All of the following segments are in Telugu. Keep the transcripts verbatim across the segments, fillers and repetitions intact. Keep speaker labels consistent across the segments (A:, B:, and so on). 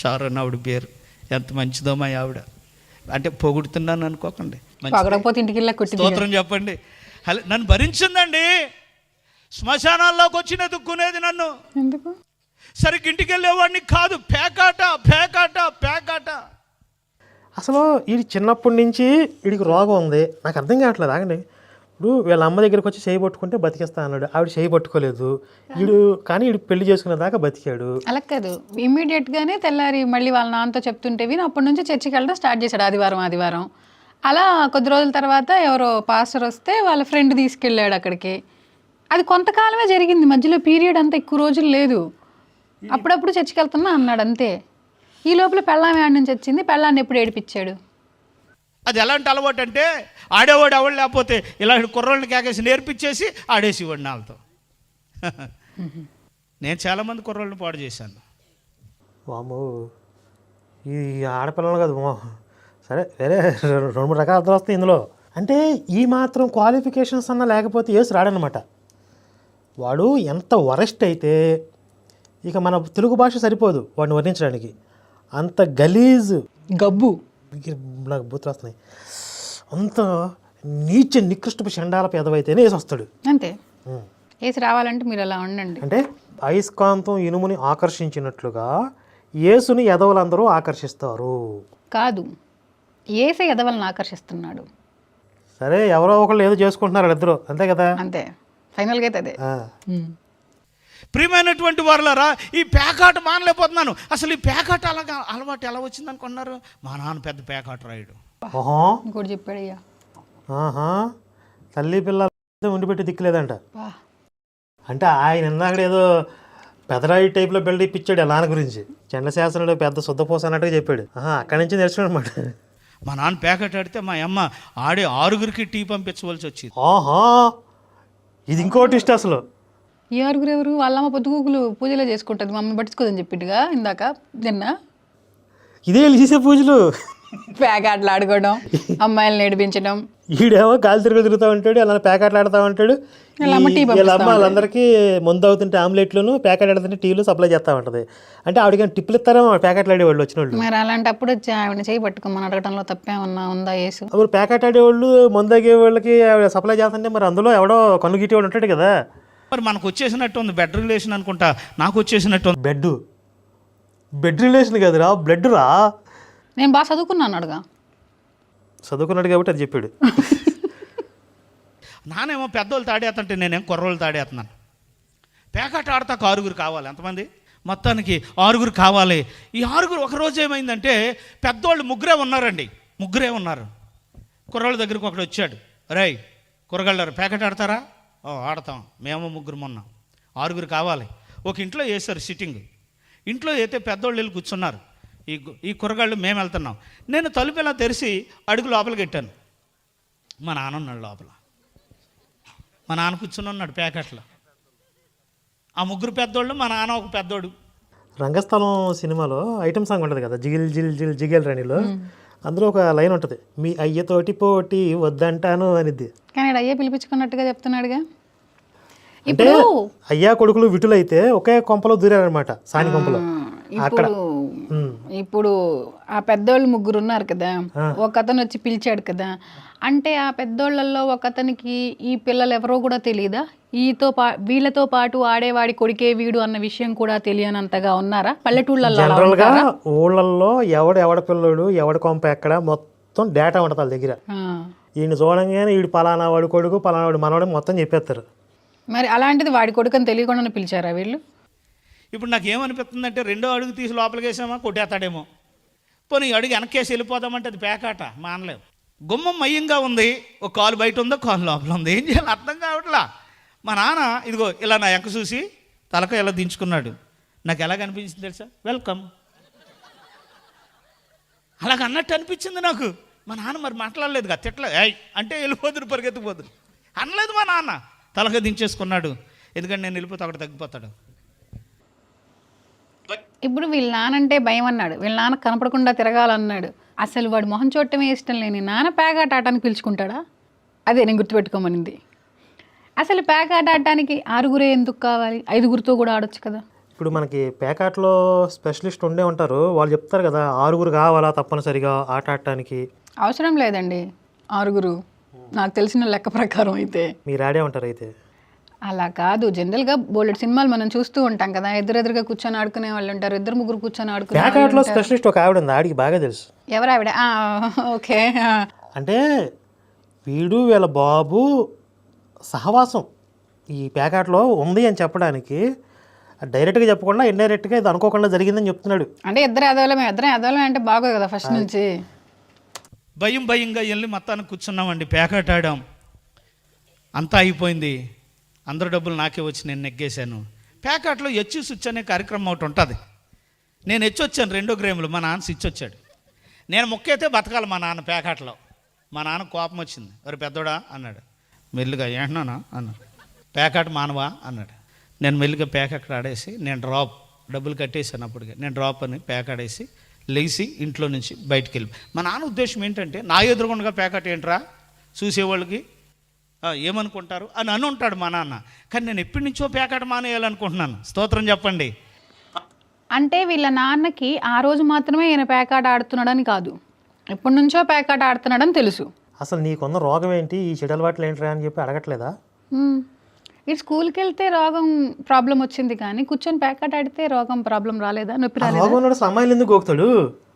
A: షారోన్ ఆవిడ పేరు. ఎంత మంచిదో మా ఆవిడ. అంటే పొగుడుతున్నాను అనుకోకండి,
B: పొగడకపోతే ఇంటికి వెళ్ళా కొట్టి
A: స్తోత్రం చెప్పండి. హలో, నన్ను భరించిందండి. శ్మశానాల్లోకి వచ్చి ఎదుక్కునేది నన్ను.
B: ఎందుకు?
A: సరిగ్గా ఇంటికి వెళ్ళేవాడిని కాదు. పేకాట పేకాట పేకాట.
C: అసలు వీడి చిన్నప్పటి నుంచి వీడికి రోగం ఉంది. నాకు అర్థం కావట్లేదు. ఆగండి, ఇప్పుడు వీళ్ళ అమ్మ దగ్గరికి వచ్చి చేయి పట్టుకుంటే బతికేస్తా అన్నాడు. ఆవిడ చేయి పట్టుకోలేదు వీడు, కానీ వీడు పెళ్లి చేసుకునే దాకా బతికాడు.
B: అలా కాదు, ఇమ్మీడియట్ గానే తెల్లారి మళ్ళీ వాళ్ళ నాన్నతో చెప్తుంటే విని అప్పటి నుంచి చర్చికి వెళ్ళడం స్టార్ట్ చేశాడు ఆదివారం ఆదివారం. అలా కొద్ది రోజుల తర్వాత ఎవరో పాస్టర్ వస్తే వాళ్ళ ఫ్రెండ్ తీసుకెళ్ళాడు అక్కడికి. అది కొంతకాలమే జరిగింది, మధ్యలో పీరియడ్ అంతా ఎక్కువ రోజులు లేదు. అప్పుడప్పుడు చర్చికి వెళ్తున్నా అన్నాడు అంతే. ఈ లోపల పెళ్ళాం ఏడు నుంచి వచ్చింది, పెళ్ళాన్ని ఎప్పుడు ఏడిపించాడు.
A: అది ఎలాంటి అలవాటు అంటే, ఆడేవాడు ఎవడు లేకపోతే ఇలాంటి కుర్రోళ్ళని కేకేసి నేర్పించేసి ఆడేసేవాడిని వాళ్ళతో. నేను చాలామంది కుర్రోళ్ళని పాడు చేశాను.
C: వాము, ఈ ఆడపిల్లలు కాదు సరే, వేరే రెండు మూడు రకాల అర్థం వస్తాయి ఇందులో. అంటే ఈ మాత్రం క్వాలిఫికేషన్స్ అన్నా లేకపోతే యేసు రాడనమాట. వాడు ఎంత వరెస్ట్ అయితే ఇక మన తెలుగు భాష సరిపోదు వాడిని వర్ణించడానికి. అంత గలీజ్
B: గబ్బు,
C: నాకు బూతులు వస్తున్నాయి, అంత నీచ నికృష్టపు చండాల పెదవైతేనే వేసి వస్తాడు
B: అంతే. వేసి రావాలంటే మీరు అలా ఉండండి.
C: అంటే అయస్కాంతం ఇనుముని ఆకర్షించినట్లుగా యేసుని ఎదవలందరూ ఆకర్షిస్తారు.
B: కాదు, ఏసే ఎదవలను ఆకర్షిస్తున్నాడు.
C: సరే, ఎవరో ఒకళ్ళు ఏదో చేసుకుంటున్నారు ఇద్దరు, అంతే కదా.
B: అంతే, ఫైనల్గా అయితే అదే.
A: ప్రియమైనటువంటి వారులారా, ఈ పేకాట మానలేకపోతున్నాను. అసలు ఈ పేకాట అలాగా అలవాటు ఎలా వచ్చింది అనుకున్నారు? మా నాన్న పెద్ద పేకాట రాయుడు.
C: ఓహో,
B: ఇంకోటి చెప్పాడయ్యా.
C: ఆహా, తల్లి పిల్ల ఉండిపెట్టి దిక్కులేదంట. అంటే ఆయన ఇందాక ఏదో పెదరాయి టైప్లో బిల్డ్ ఇప్పించాడు ఆ నాన్న గురించి. చంద్రశాస్త్రంలో పెద్ద శుద్ధపోస అన్నట్టుగా చెప్పాడు. అక్కడి నుంచి నేర్చుకున్నాడు అనమాట.
A: మా నాన్న పేకాట ఆడితే మా అమ్మ ఆడే ఆరుగురికి టీ పంపించవలసి వచ్చింది.
C: ఆహా, ఇది ఇంకోటి ఇష్టం అసలు.
B: ఈ ఆరుగురు ఎవరు? వాళ్ళమ్మ పొద్దుగూకులు పూజలో చేసుకుంటుంది, మమ్మల్ని పట్టించుకోదని చెప్పిట్టుగా ఇందాక నిన్న.
C: ఇదే చేసే పూజలు,
B: ప్యాకెట్లు ఆడుకోవడం, అమ్మాయిలు నేర్పించడం.
C: ఈడేమో కాలు తిరుగు తిరుగుతూ ఉంటాడు, అలా ప్యాకెట్లు ఆడుతూ ఉంటాడు. వీళ్ళ అమ్మ వాళ్ళందరికీ ముందు అవుతుంటే ఆమ్లెట్లను, ప్యాకెట్ ఆడుతుంటే టీలు సప్లై చేస్తూ ఉంటుంది. అంటే ఆవిడకి టిప్పులు ఇస్తారేమో ప్యాకెట్లు ఆడేవాళ్ళు వచ్చిన వాళ్ళు.
B: మరి అలాంటప్పుడు వచ్చి ఆవిడ చేయి పట్టుకోమని అడగడంలో తప్పేమన్నా ఉందా యేసు?
C: అప్పుడు ప్యాకెట్ ఆడేవాళ్ళు ముందు ఆగే వాళ్ళకి ఆవిడ సప్లై చేస్తుంటే మరి అందులో ఎవడో కన్ను గిట్టేవాడు ఉంటాడు కదా.
A: మరి మనకు వచ్చేసినట్టు ఉంది బెడ్ రిలేషన్ అనుకుంటా. నాకు వచ్చేసినట్టు ఉంది
C: బెడ్ బెడ్ రిలేషన్ కదరా, బ్లడ్ రా.
B: నేను బాగా చదువుకున్నాను అడుగా.
C: చదువుకున్నాడు కాబట్టి అది చెప్పాడు.
A: నానేమో పెద్దోళ్ళు తాడేస్తుంటే నేనేం కుర్రోళ్ళు తాడేస్తున్నాను. పేకాట ఆడతాకు ఆరుగురు కావాలి. ఎంతమంది? మొత్తానికి ఆరుగురు కావాలి. ఈ ఆరుగురు ఒకరోజు ఏమైందంటే, పెద్దోళ్ళు ముగ్గురే ఉన్నారండి, ముగ్గురే ఉన్నారు. కుర్రోళ్ళ దగ్గరికి ఒకడు వచ్చాడు. రై కుర్రగాళ్ళారు పేకాట ఆడతారా? ఓ ఆడతాం, మేము ముగ్గురు ఉన్నాం, ఆరుగురు కావాలి. ఒక ఇంట్లో వేశారు సిట్టింగ్. ఇంట్లో అయితే పెద్దోళ్ళు వెళ్ళి కూర్చున్నారు. ఈ ఈ కుర్రగాళ్ళు మేము వెళ్తున్నాం. నేను తలుపు ఇలా తెరిచి అడుగు లోపలికి పెట్టాను. మా నాన్న ఉన్నాడు లోపల. మా నాన్న కూర్చుని ఉన్నాడు ప్యాకెట్లో. ఆ ముగ్గురు పెద్దోళ్ళు, మా నాన్న ఒక పెద్దోడు.
C: రంగస్థలం సినిమాలో ఐటమ్ సాంగ్ ఉంటుంది కదా, జిగిల్ జిల్ జిల్ జిగేల్ రాణిలో. అందులో ఒక లైన్ ఉంటుంది, మీ అయ్యతోటి పోటీ వద్దంటాను అనిద్ది.
B: కానీ అయ్యే పిలిపించుకున్నట్టుగా చెప్తున్నాడుగా.
C: అంటే అయ్యా కొడుకులు విటులైతే ఒకే కొంపలో దూరారనమాట, సాని కొంపలో. అక్కడ
B: ఇప్పుడు ఆ పెద్దోళ్ళు ముగ్గురు ఉన్నారు కదా, ఒక అతను వచ్చి పిలిచాడు కదా. అంటే ఆ పెద్దోళ్ళల్లో ఒక అతనికి ఈ పిల్లలు ఎవరో కూడా తెలియదా? ఈతో పా వీళ్ళతో పాటు ఆడేవాడి కొడుకే వీడు అన్న విషయం కూడా తెలియనంతగా ఉన్నారా పల్లెటూళ్ళల్లో?
C: జనరల్గా ఊళ్ళల్లో ఎవడు ఎవడ పిల్లడు ఎవడ కొంప ఎక్కడ మొత్తం డేటా ఉంటుంది వాళ్ళ దగ్గర. ఈయన చూడంగానే వీడు పలానా వాడి కొడుకు పలానా వాడు మనవాడు మొత్తం చెప్పేస్తారు.
B: మరి అలాంటిది వాడి కొడుకుని తెలియకుండా పిలిచారా వీళ్ళు?
A: ఇప్పుడు నాకు ఏమనిపిస్తుందంటే, రెండో అడుగు తీసి లోపలికి వేసామా కొట్టేస్తాడేమో, పోనీ అడుగు వెనకేసి వెళ్ళిపోదామంటే అది పేకాట, మానలేవు. గుమ్మం మయ్యంగా ఉంది, ఒక కాలు బయట ఉందో కాలు లోపల ఉంది, ఏం చేయాలి అర్థం కావట్లా. మా నాన్న ఇదిగో ఇలా నా ఎంక చూసి తలక ఇలా దించుకున్నాడు. నాకు ఎలాగ అనిపించింది తెలుసా? వెల్కమ్ అలాగ అన్నట్టు అనిపించింది నాకు. మా నాన్న మరి మాట్లాడలేదు కదా, తిట్ల అంటే వెళ్ళిపోదురు పరిగెత్తిపోదురు అనలేదు. మా నాన్న తలక దించేసుకున్నాడు, ఎందుకంటే నేను వెళ్ళిపోతే అక్కడ తగ్గిపోతాడు.
B: ఇప్పుడు వీళ్ళ నానంటే భయం అన్నాడు, వీళ్ళ నాన్న కనపడకుండా తిరగాలన్నాడు. అసలు వాడు మొహం చూడటమే ఇష్టం లేని నాన్న పేకాట ఆడటానికి పిలుచుకుంటాడా? అదే నేను గుర్తుపెట్టుకోమనింది. అసలు పేకాట ఆడటానికి ఆరుగురే ఎందుకు కావాలి? ఐదుగురితో కూడా ఆడొచ్చు కదా.
C: ఇప్పుడు మనకి పేకాట్లో స్పెషలిస్ట్ ఉండే ఉంటారు, వాళ్ళు చెప్తారు కదా ఆరుగురు కావాలా తప్పనిసరిగా ఆట ఆడటానికి.
B: అవసరం లేదండి ఆరుగురు, నాకు తెలిసిన లెక్క ప్రకారం అయితే.
C: మీరు ఆడే ఉంటారు అయితే.
B: అలా కాదు, జనరల్గా బోలెడ్ సినిమాలు మనం చూస్తూ ఉంటాం కదా, ఎదురెదురుగా కూర్చొని ఆడుకునే వాళ్ళు ఉంటారు, ఇద్దరు ముగ్గురు కూర్చొని ఆడుకునే వాళ్ళు
C: పేకాట్లో
B: ఉంటారు.
C: స్పెషలిస్ట్ ఒక ఆవిడ ఉంది, ఆడికి బాగా తెలుసు.
B: ఎవరు ఆవిడ? ఆ, ఓకే. ఆ.
C: అంటే వీడు వీళ్ళ బాబు సహవాసం ఈ పేకాట్లో ఉంది అని చెప్పడానికి డైరెక్ట్గా చెప్పకుండా ఇండైరెక్ట్గా ఇది అనుకోకుండా జరిగిందని చెప్తున్నాడు.
B: అంటే ఇద్దరు ఎదవలమే, ఇద్దరు ఎదవలమే అంటే బాగోదు కదా ఫస్ట్ నుంచి.
A: భయం భయంగా వెళ్ళి మొత్తానికి కూర్చున్నామండి, పేకాట ఆడాం, అంతా అయిపోయింది. అందరు డబ్బులు నాకే వచ్చి నేను నెగ్గేశాను. పేకాట్లో హెచ్చు స్విచ్ అనే కార్యక్రమం ఒకటి ఉంటుంది. నేను హెచ్చొచ్చాను రెండో గ్రేములు, మా నాన్న స్విచ్ వచ్చాడు. నేను మొక్కైతే బతకాలి మా నాన్న పేకాట్లో. మా నాన్న కోపం వచ్చింది, ఎవరు పెద్దోడా అన్నాడు. మెల్లిగా ఏంటన్నానా అన్నాడు. పేకాట మానవా అన్నాడు. నేను మెల్లిగా పేకాట ఆడేసి నేను డ్రాప్ డబ్బులు కట్టేసాను. అప్పటికే నేను డ్రాప్ అని పేకాడేసి లేచి ఇంట్లో నుంచి బయటికి వెళ్ళి, మా నాన్న ఉద్దేశం ఏంటంటే నా ఎదురుగుండగా పేకాట ఏంట్రా చూసేవాళ్ళకి ఏమనుకుంటారు అని అని ఉంటాడు మా నాన్న. కానీ నేను ఎప్పటి నుంచో పేకాట మానేయాలనుకుంటున్నాను. స్తోత్రం చెప్పండి.
B: అంటే వీళ్ళ నాన్నకి ఆ రోజు మాత్రమే ఈయన పేకాట ఆడుతున్నాడని కాదు, ఎప్పటి నుంచో పేకాట ఆడుతున్నాడని తెలుసు.
C: అసలు నీకున్న రోగం ఏంటి, ఈ చెడు అలవాట్లు ఏంట్రా అని చెప్పి అడగట్లేదా?
B: ఇటు స్కూల్కి వెళ్తే రోగం ప్రాబ్లం వచ్చింది, కానీ కూర్చొని పేకాట ఆడితే రోగం ప్రాబ్లం రాలేదా, నొప్పి రాలేదా?
C: రోగం ఉన్నాడు అమ్మాయిలు ఎందుకు గోకుతాడు?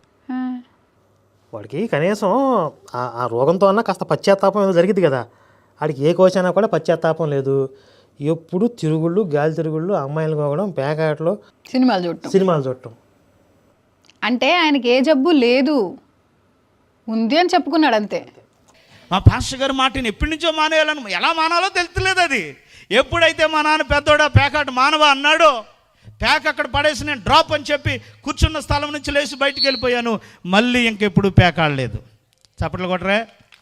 C: వాడికి కనీసం ఆ రోగంతో అన్నా కాస్త పశ్చాత్తాపం ఏదో జరిగింది కదా. వాడికి ఏ కోచ్ అయినా కూడా పశ్చాత్తాపం లేదు. ఎప్పుడు తిరుగుళ్ళు గాలి తిరుగుళ్ళు, అమ్మాయిలు గోగడం, పేకాటలో
B: సినిమాలు చూడటం
C: సినిమాలు చూడటం.
B: అంటే ఆయనకి ఏ జబ్బు లేదు, ఉంది అని చెప్పుకున్నాడు అంతే.
A: మా పాస్టర్ గారి మాటని ఎప్పటి నుంచో మానేయాలని, ఎలా మానాలో తెలుస్తలేదు. అది ఎప్పుడైతే మా నాన్న పెద్దోడా పేకాట మానవా అన్నాడో, ప్యాక్ అక్కడ పడేసి నేను డ్రాప్ అని చెప్పి కూర్చున్న స్థలం నుంచి లేచి బయటికి వెళ్ళిపోయాను. మళ్ళీ ఇంకెప్పుడు ప్యాక్ ఆడలేదు. చప్పట్లు కొట్టరే.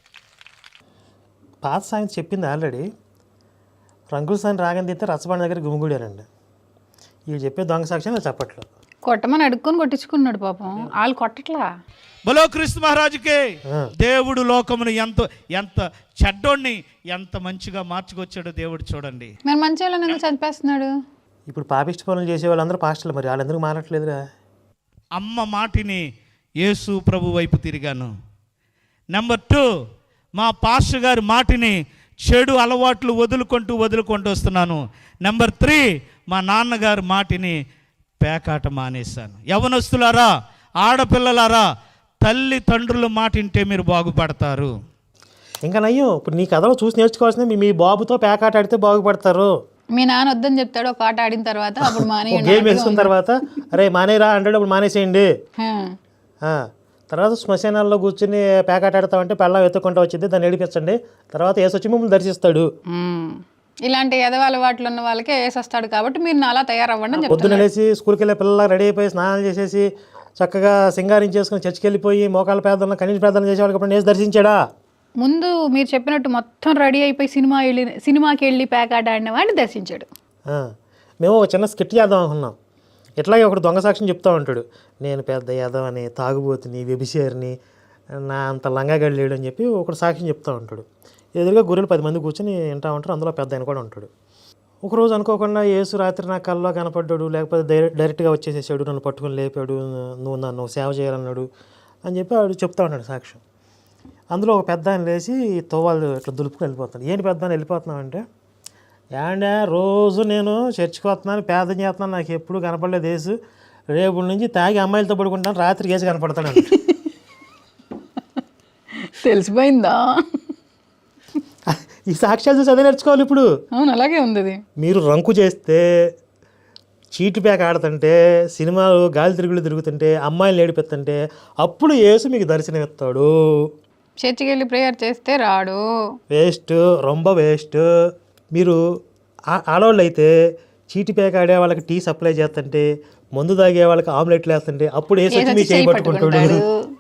C: పాత సాయం చెప్పింది ఆల్రెడీ. రంగుల సాయం రాగని తింటే రచ్చబండ దగ్గర గుమిగూడారండి. వీళ్ళు చెప్పే దొంగ సాక్ష్యం చప్పట్లు.
B: కొట్టమని అడుక్కొని కొట్టించుకున్నాడు పాపం, వాళ్ళు కొట్టట్లా.
A: బలో క్రీస్తు మహారాజుకే. దేవుడు లోకమును ఎంత ఎంత చెడ్డోడిని ఎంత మంచిగా మార్చుకొచ్చాడో దేవుడు చూడండి.
B: మరి మంచి వాళ్ళని ఎందుకు చంపేస్తున్నాడు?
C: ఇప్పుడు పాపిష్టి పనులు చేసే వాళ్ళందరూ పాస్టర్లు, మరి వాళ్ళందరూ మారట్లేదురా.
A: అమ్మ మాటిని యేసు ప్రభు వైపు తిరిగాను. నెంబర్ టూ, మా పాస్టర్ గారి మాటిని చెడు అలవాట్లు వదులుకుంటూ వదులుకుంటూ వస్తున్నాను. నెంబర్ త్రీ, మా నాన్నగారి మాటిని పేకాట మానేశాను. యవనస్తులారా, ఆడపిల్లలారా, తల్లిదండ్రుల మాట వింటే మీరు బాగుపడతారు.
C: ఇంకా నయ్యం, ఇప్పుడు నీ కథలో చూసి నేర్చుకోవాల్సింది మీ మీ బాబుతో పేకాట ఆడితే బాగుపడతారు.
B: మీ నాన్న వద్దని చెప్తాడు, ఒక ఆట ఆడిన తర్వాత అప్పుడు మానే
C: గేమ్ వేసుకున్న తర్వాత అరే మానేరా అంటాడు, అప్పుడు మానేసేయండి. తర్వాత శ్మశానాల్లో కూర్చుని పేకాట ఆడతామంటే పెళ్ళం ఎత్తుకుంటూ వచ్చింది, దాన్ని ఏడిపించండి, తర్వాత ఏసు వచ్చి మిమ్మల్ని దర్శిస్తాడు.
B: ఇలాంటి ఎదవ అలవాట్లు ఉన్న వాళ్ళకే ఏసు వస్తాడు, కాబట్టి మీరు అలా తయారవ్వండి.
C: పొద్దున్న లేచి స్కూల్కి వెళ్ళే పిల్లలు రెడీ అయిపోయి స్నానాలు చేసేసి చక్కగా సింగారించేసుకుని చర్చికి వెళ్ళిపోయి మోకాళ్ళ పేదలను కనీస ప్రార్థన చేసేవాళ్ళకి అప్పుడు ఏసు దర్శించాడా?
B: ముందు మీరు చెప్పినట్టు మొత్తం రెడీ అయిపోయి సినిమా వెళ్ళి సినిమాకి వెళ్ళి పేకాట ఆడిన వాడిని దర్శించాడు.
C: మేము ఒక చిన్న స్కిట్ చేద్దాం అనుకున్నాం. ఇట్లాగే ఒకటి దొంగ సాక్ష్యం చెప్తా ఉంటాడు, నేను పెద్ద యాదవని, తాగుబోతుని, వ్యభిచారిని, నా అంత లంగాగడి లేడు అని చెప్పి ఒకటి సాక్ష్యం చెప్తూ ఉంటాడు. ఎదురుగా గొర్రెలు పది మంది కూర్చొని వింటూ ఉంటారు, అందులో పెద్ద ఆయన కూడా ఉంటాడు. ఒకరోజు అనుకోకుండా యేసు రాత్రి నా కల్లో కనపడ్డాడు, లేకపోతే డైరెక్ట్ డైరెక్ట్గా వచ్చేసేసాడు, నన్ను పట్టుకొని లేపాడు, నువ్వు నన్ను సేవ చేయాలన్నాడు అని చెప్పి వాడు చెప్తా ఉంటాడు సాక్ష్యం. అందులో ఒక పెద్ద ఆయన లేచి తోవాళ్ళు ఇట్లా దులుపుకొని వెళ్ళిపోతాడు. ఏంటి పెద్ద ఆయన వెళ్ళిపోతున్నావు అంటే, ఏండే రోజు నేను చర్చికి వస్తున్నాను, పేదం చేస్తున్నాను, నాకు ఎప్పుడు కనపడలేదు యేసు, రేపు నుంచి తాగి అమ్మాయిలతో పడుకుంటాను, రాత్రికి యేసు కనపడతాడు అంటే.
B: తెలిసిపోయిందా?
C: ఈ సాక్ష్యాలు చూసి అదే నేర్చుకోవాలి ఇప్పుడు.
B: అవును, అలాగే ఉంది. అది
C: మీరు రంకు చేస్తే, చీటి ప్యాక్ ఆడుతుంటే, సినిమాలు గాలి తిరుగులు తిరుగుతుంటే, అమ్మాయిలు ఏడిపెత్తుంటే, అప్పుడు యేసు మీకు దర్శనం ఇస్తాడు.
B: చర్చికి వెళ్ళి ప్రేయర్ చేస్తే రాడు.
C: వేస్ట్, రొంబ వేస్ట్. మీరు ఆడవాళ్ళు అయితే చీటి ప్యాక్ ఆడే వాళ్ళకి టీ సప్లై చేస్తుంటే, మందు తాగే వాళ్ళకి ఆమ్లెట్లు వేస్తుంటే, అప్పుడు యేసు వచ్చి మీ చేయి పట్టుకుంటాడు.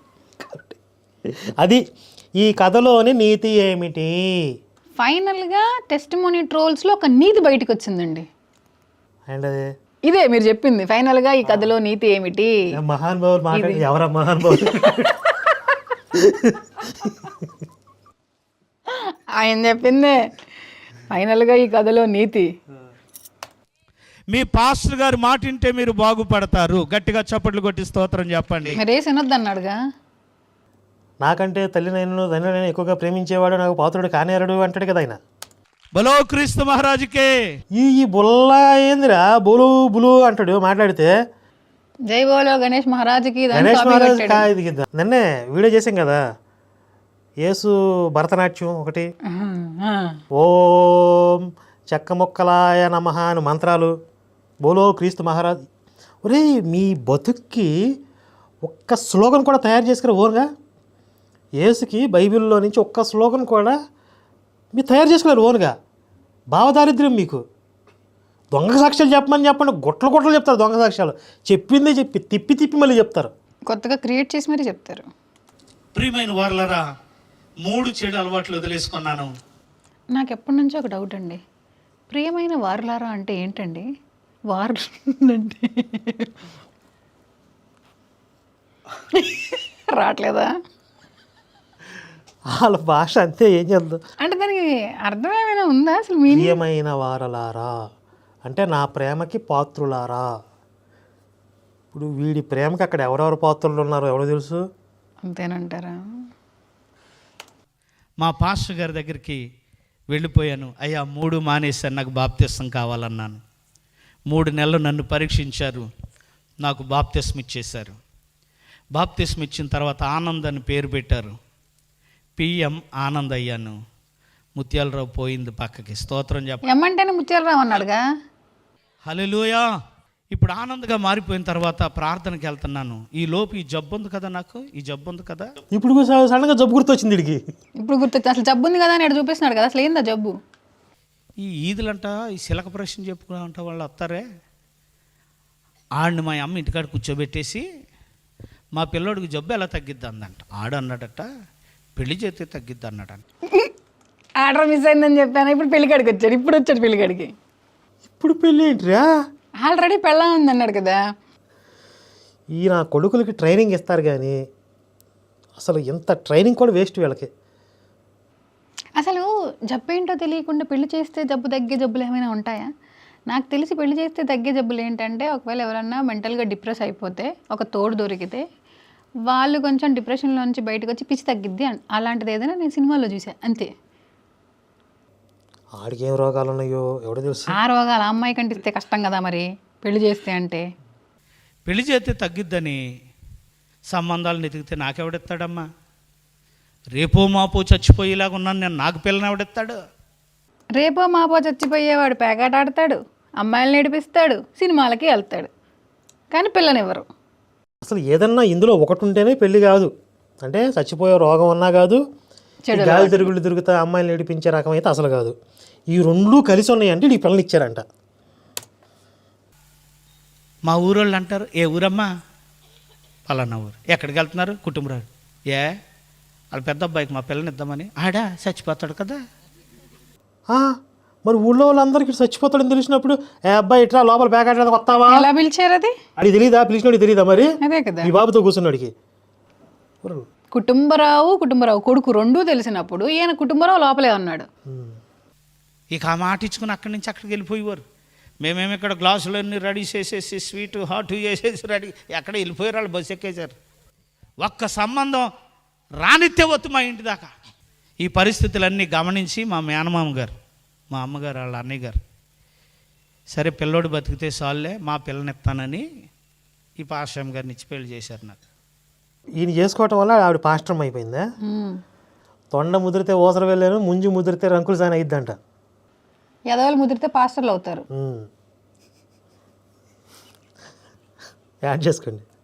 C: అది ఈ కథలోని నీతి ఏమిటి?
B: ఫైనల్గా టెస్టిమోనీ ట్రోల్స్లో ఒక నీతి బయటకు వచ్చిందండి.
C: అండ్ అదే
B: ఇదే మీరు చెప్పింది. ఫైనల్గా ఈ కథలో నీతి ఏమిటి?
C: మహాన్ బాబు మాట్లాడి ఎవరా మహాన్ బాబు
B: ఆయన చెప్పిందే ఫైనల్గా ఈ కథలో నీతి.
A: మీ పాస్టర్ గారి మాట వింటే మీరు బాగుపడతారు. గట్టిగా చప్పట్లు కొట్టి స్తోత్రం చెప్పండి.
B: మరి ఏ వినొద్దు అన్నాడుగా.
C: నాకంటే తల్లి నేను తండ్రి నేను ఎక్కువగా ప్రేమించేవాడు నాకు పాత్రుడు కానేరడు అంటాడు కదా ఆయన.
A: బలో క్రీస్తు మహారాజుకే.
C: ఈ ఈ బుల్ల ఏందిరా బులు బులు అంటాడు మాట్లాడితే.
B: జై బోలో గణేష్ మహారాజుకి. దాన్ని
C: గణేష్
B: copy
C: మహారాజ్
B: కొట్టాడు.
C: కా ఇది కింద. నిన్నే వీడియో చేసాం కదా యేసు భరతనాట్యం ఒకటి,
B: ఆహా, ఆ.
C: ఓం చెక్క మొక్కలాయ నమః అని మంత్రాలు, బోలో క్రీస్తు మహారాజ్. ఒరే మీ బతుక్కి ఒక్క స్లోగన్ కూడా తయారు చేసుకురా ఓన్గా. యేసుకి బైబిల్లో నుంచి ఒక్క స్లోగన్ కూడా మీరు తయారు చేసుకున్నారు ఓన్గా. భావదారిద్ర్యం మీకు. దొంగ సాక్ష్యాలు చెప్పమని చెప్పండి, గుట్టలు గుట్టలు చెప్తారు దొంగ సాక్ష్యాలు. చెప్పిందే చెప్పి తిప్పి తిప్పి మళ్ళీ చెప్తారు.
B: కొత్తగా క్రియేట్ చేసి మరీ చెప్తారు.
A: ప్రియమైన వారలారా, మూడు చెడు అలవాట్లు వదిలేసుకున్నాను.
B: నాకు ఎప్పటి నుంచో ఒక డౌట్ అండి. ప్రియమైన వారులారా అంటే ఏంటండి? వారు అంటే రావట్లేదా?
C: వాళ్ళ భాష అంతే, ఏం చేద్దాం.
B: అంటే దానికి అర్థం ఏమైనా ఉందా అసలు? మీనింగ్
C: ప్రియమైన వారలారా అంటే నా ప్రేమకి పాత్రులారా. ఇప్పుడు వీడి ప్రేమకి అక్కడ ఎవరెవరు పాత్రులు ఉన్నారో ఎవరో తెలుసు.
B: అంతేనంటారా?
A: మా పాస్టర్ గారి దగ్గరికి వెళ్ళిపోయాను. అయ్యా మూడు మానేశాను, నాకు బాప్తిస్తం కావాలన్నాను. మూడు నెలలు నన్ను పరీక్షించారు, నాకు బాప్తిస్మ ఇచ్చేశారు. బాప్తిస్మ ఇచ్చిన తర్వాత ఆనంద్ అని పేరు పెట్టారు. పిఎం ఆనంద్ అయ్యాను. ముత్యాలరావు పోయింది పక్కకి. స్తోత్రం చెప్ప.
B: ఎమ్మంటేనే ముత్యాలరావు అన్నాడుగా.
A: హల్లెలూయా. ఇప్పుడు ఆనంద్గా మారిపోయిన తర్వాత ప్రార్థనకి వెళ్తున్నాను. ఈ లోపు ఈ జబ్బు ఉంది కదా, నాకు ఈ జబ్బు ఉంది కదా.
C: ఇప్పుడు సడన్గా జబ్బు గుర్తొచ్చింది వీడికి.
B: ఇప్పుడు గుర్తొచ్చి అసలు జబ్బు ఉంది కదా అని ఎక్కడ చూపిస్తున్నాడు కదా. అసలు ఏందా జబ్బు?
A: ఈ ఈదులంట ఈ శిలక ప్రశ్న చెప్పుకుంటా వాళ్ళు వస్తారే, ఆడిని మా అమ్మ ఇంటికాడ కూర్చోబెట్టేసి మా పిల్లోడికి జబ్బు ఎలా తగ్గిద్ది అందంట. ఆడు అన్నాడట పెళ్లి చేస్తే తగ్గిద్ది అన్నాడంట.
B: ఆర్డర్ మిస్ అయిందని చెప్పాను. ఇప్పుడు పెళ్ళికాడికి వచ్చాడు. ఇప్పుడు వచ్చాడు పెళ్ళికాడికి.
C: ఇప్పుడు పెళ్ళి ఏంటిరా?
B: ఆల్రెడీ పెళ్ళం ఉంది అన్నాడు కదా.
C: ఈ నా కొడుకులకి ట్రైనింగ్ ఇస్తారు కానీ అసలు ఎంత ట్రైనింగ్ కూడా వేస్ట్ వీళ్ళకి.
B: అసలు జబ్బు ఏంటో తెలియకుండా పెళ్లి చేస్తే జబ్బు తగ్గే జబ్బులు ఏమైనా ఉంటాయా? నాకు తెలిసి పెళ్లి చేస్తే తగ్గే జబ్బులు ఏంటంటే, ఒకవేళ ఎవరన్నా మెంటల్గా డిప్రెస్ అయిపోతే ఒక తోడు దొరికితే వాళ్ళు కొంచెం డిప్రెషన్లో నుంచి బయటకు వచ్చి పిచ్చి తగ్గిద్ది అని అలాంటిది ఏదైనా నేను సినిమాలో చూసాను అంతే.
C: ఆడికి ఏం రోగాలు ఉన్నాయో ఎవడో తెలుసు.
B: ఆ రోగాలు ఆ అమ్మాయి కంటిస్తే కష్టం కదా మరి పెళ్లి చేస్తే. అంటే
A: పెళ్లి చేస్తే తగ్గిద్దని సంబంధాలు వెతికితే నాకెవడెత్తాడమ్మా? రేపో మాపో చచ్చిపోయేలాగా ఉన్నాను నేను, నాకు పిల్లని ఎవడెత్తాడు?
B: రేపో మాపో చచ్చిపోయేవాడు పేకాట ఆడతాడు, అమ్మాయిలు నడిపిస్తాడు, సినిమాలకి వెళ్తాడు, కానీ పిల్లనివ్వరు.
C: అసలు ఏదన్నా ఇందులో ఒకటి ఉంటేనే పెళ్లి కాదు. అంటే చచ్చిపోయే రోగం ఉన్నా కాదు, గాలి తిరుగుళ్ళు తిరుగుతా అమ్మాయిలు నడిపించే రకం అయితే అసలు కాదు. ఈ రెండు కలిసి ఉన్నాయంటే ఈ పిల్లలు ఇచ్చారంట.
A: మా ఊరోళ్ళు అంటారు, ఏ ఊరమ్మా? పలానా ఊరు. ఎక్కడికి వెళ్తున్నారు? కుటుంబరాడు. ఏ వాళ్ళ పెద్ద అబ్బాయికి మా పిల్లని ఇద్దామని. ఆడా చచ్చిపోతాడు కదా.
C: మరి ఊళ్ళో వాళ్ళందరికీ చచ్చిపోతాడని తెలిసినప్పుడు ఏ అబ్బాయి ఇట్లా లోపల పేకాట వస్తావా
B: ఎలా పిలిచారు? అది
C: అది తెలీదా? పిలిచినోడికి తెలీదా? మరి
B: అదే కదా
C: ఈ బాబుతో కూర్చున్నాడికి.
B: కుటుంబరావు కుటుంబరావు కొడుకు రెండూ తెలిసినప్పుడు ఈయన కుటుంబరావు లోపలే ఉన్నాడు.
A: ఇక ఆ మాట ఇచ్చుకుని అక్కడి నుంచి అక్కడికి వెళ్ళిపోయేవారు. మేమేమి ఇక్కడ గ్లాసులన్నీ రెడీ చేసేసి స్వీట్ హాట్ చేసేసి రెడీ ఎక్కడ వెళ్ళిపోయారు. వాళ్ళు బస్సు ఎక్కేశారు. ఒక్క సంబంధం రానిత్తే వద్దు మా ఇంటి దాకా. ఈ పరిస్థితులన్నీ గమనించి మా మేనమామ గారు, మా అమ్మగారు, వాళ్ళ అన్నయ్య గారు, సరే పిల్లోడు బతికితే సాల్లే మా పిల్లనిస్తానని ఈ పాస్టర్ గారిని ఇచ్చి పెళ్లి చేశారు నాకు.
C: ఈయన చేసుకోవటం వల్ల ఆవిడ పాస్టర్ అయిపోయిందా? తొండ ముదిరితే ఓసర వెళ్ళాను, ముంజు ముదిరితే రంకులు సాని అయిద్దంట.
B: ఎదవలు ముదిరితే పాస్టర్లు అవుతారు.
C: యాడ్ చేసుకోండి.